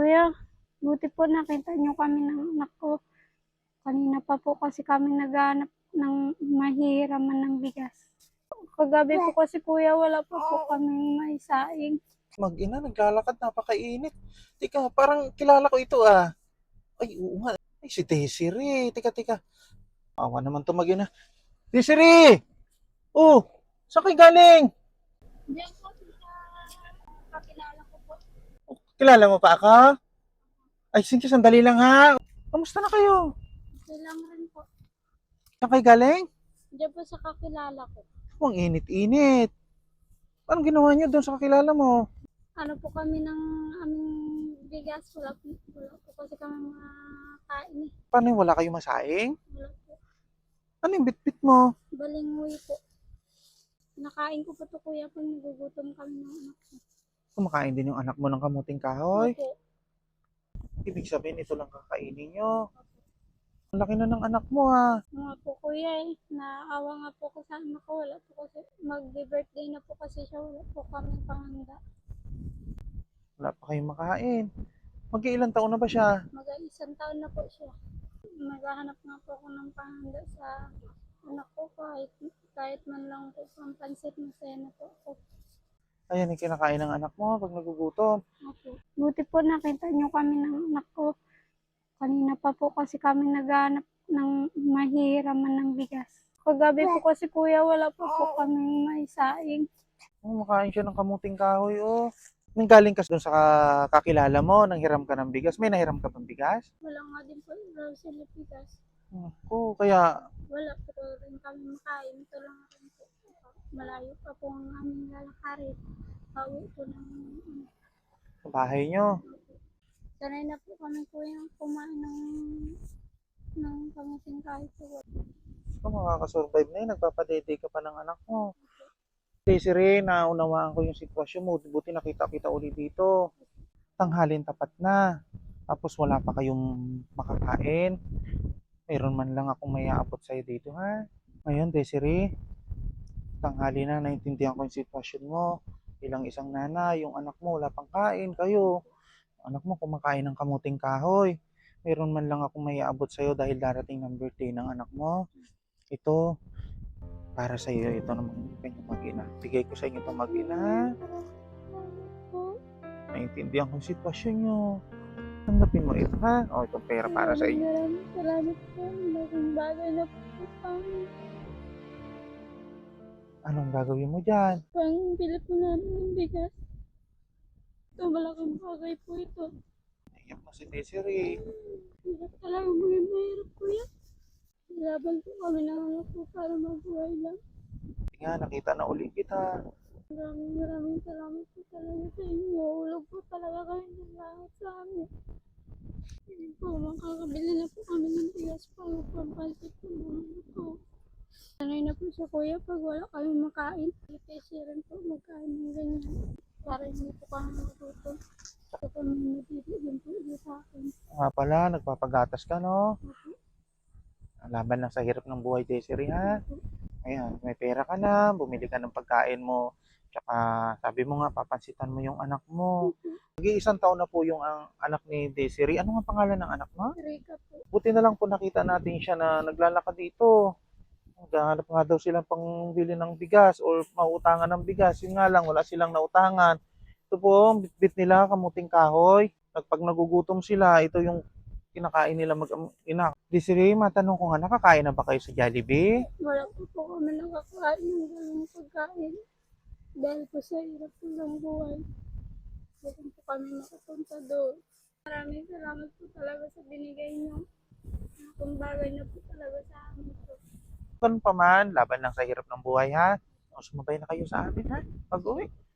Kuya, buti po nakita niyo kami ng anak ko. Kanina pa po kasi kami naghahanap ng mahihiraman ng bigas. Kagabi po kasi kuya, wala pa po kaming maisaing. Mag-ina, naglalakad, napakainit. Teka, parang kilala ko ito ah. Ay, oo nga. Ay, si Desiree. Teka. Awa naman to mag-ina. Desiree! Oh, saan kayo galing? Diyan po sa kakilala ko po. Kilala mo pa ako? Ay, sige, sandali lang ha. Kamusta na kayo? Silang rin po. Saan kayo galing? Diyan po sa kakilala ko. Oh, ang init-init. Anong ginawa niyo doon sa kakilala mo? Ano po kami ng aming bigas. Wala po kasi kami makain eh. Paano yung wala kayong masaing? Wala po. Ano yung bitbit mo? Balingoy po. Nakain ko po to kuya pag nagugutom kami ng anak ko. Kumakain din yung anak mo ng kamuting kahoy? Opo. Ibig sabihin, ito lang kakainin nyo. Ang laki na ng anak mo ha. Mga po kuya eh, naawa nga po ko sa anak ko, wala po kasi, mag-birthday na po kasi siya, wala po kami panghanda. Wala pa kayong makain. Mag-iilang taon na ba siya? Mag-isang taon na po siya. Maghahanap nga po ako ng panghanda sa anak ko kahit man lang po pampansit, masaya na po ako. Ayan yung kinakain ng anak mo pag nagugutom. Opo. Buti po nakita niyo kami ng anak ko. Kanina pa po kasi kami naghahanap ng mahihiraman ng bigas. Kagabi po kasi kuya, wala pa po kaming maisaing. Oh, makain siya ng kamuting kahoy oh. Nang galing ka doon sa kakilala mo, nang hiram ka ng bigas. May nahiram ka pang bigas? Wala nga din po raw sila bigas. Oh, kaya Wala po rin kami makain. Ito lang rin po. Malayo pa po ang aming lalakarin. Pauwi po ng sa bahay nyo. sanay na po kami po yung kumain ng kamuting kahit po. Kung makakasurvive na yun, nagpapadede ka pa ng anak mo. Desiree, naunawaan ko yung sitwasyon mo. Buti nakita kita ulit dito. Tanghalin tapat na. Tapos wala pa kayong makakain. Meron man lang akong may aabot sa'yo dito ha. Ngayon, Desiree, tanghali na, naintindihan ko yung sitwasyon mo. Bilang isang nanay, yung anak mo wala pang kain, kayo. Anak mo kumakain ng kamuting kahoy. Meron man lang akong may aabot sa'yo dahil darating ng birthday ng anak mo. Ito, para sa iyo, ito naman kanyang mag-ina. Bigay ko sa inyo itong mag-ina. Naintindihan ko yung sitwasyon nyo. Tanggapin mo ito ha. O, itong pera para sa inyo. Maraming salamat po. Malaking bagay na po kami. Anong gagawin mo dyan? Pang bili po namin ng bigas. Ito, malaking bagay po ito. Iyak mo si Desiree. Hirap talaga maging mahirap kuya. Laban po kami ng anak ko para mabuhay lang. Nga, nakita na ulit kita. Maraming salamat po talaga sa inyo. Ulog po talaga kayo ng langit sa amin. Hindi po, makakabili na po kami ng bigas para pampalit ng mga anak ko. Sanay na po siya kuya pag wala kami makain. Kasi rin po magkain ng ganyan. Para hindi po kami magutom. Ito po may nabibigyan po sa akin. Nga pala, nagpapagatas ka no? Laban lang sa hirap ng buhay, Desiree ha. Ayan, may pera ka na, bumili ka ng pagkain mo. Tsaka sabi mo nga, papansitan mo yung anak mo. Mag-iisang taon na po yung anak ni Desiree. Ano nga pangalan ng anak mo? Rika po. Buti na lang po nakita natin siya na naglalakad dito. Naghahanap nga daw silang pangbili ng bigas o mautangan ng bigas. Yun nga lang, wala silang nautangan. Ito po, bitbit nila, kamuting kahoy. Pag nagugutom sila, ito yung kinakain nila mag-ina. Desiree, matanong ko nga, nakakain na ba kayo sa Jollibee? Wala po kami nakakain ng ganung pagkain. Dahil po sa hirap po ng buhay. Hindi po kami makapunta doon. Maraming salamat po talaga sa binigay niyo. Kung bagay na po talaga sa amin po. Ganun pa man, laban lang sa hirap ng buhay ha. O, sumabay na kayo sa amin ha, pag-uwi.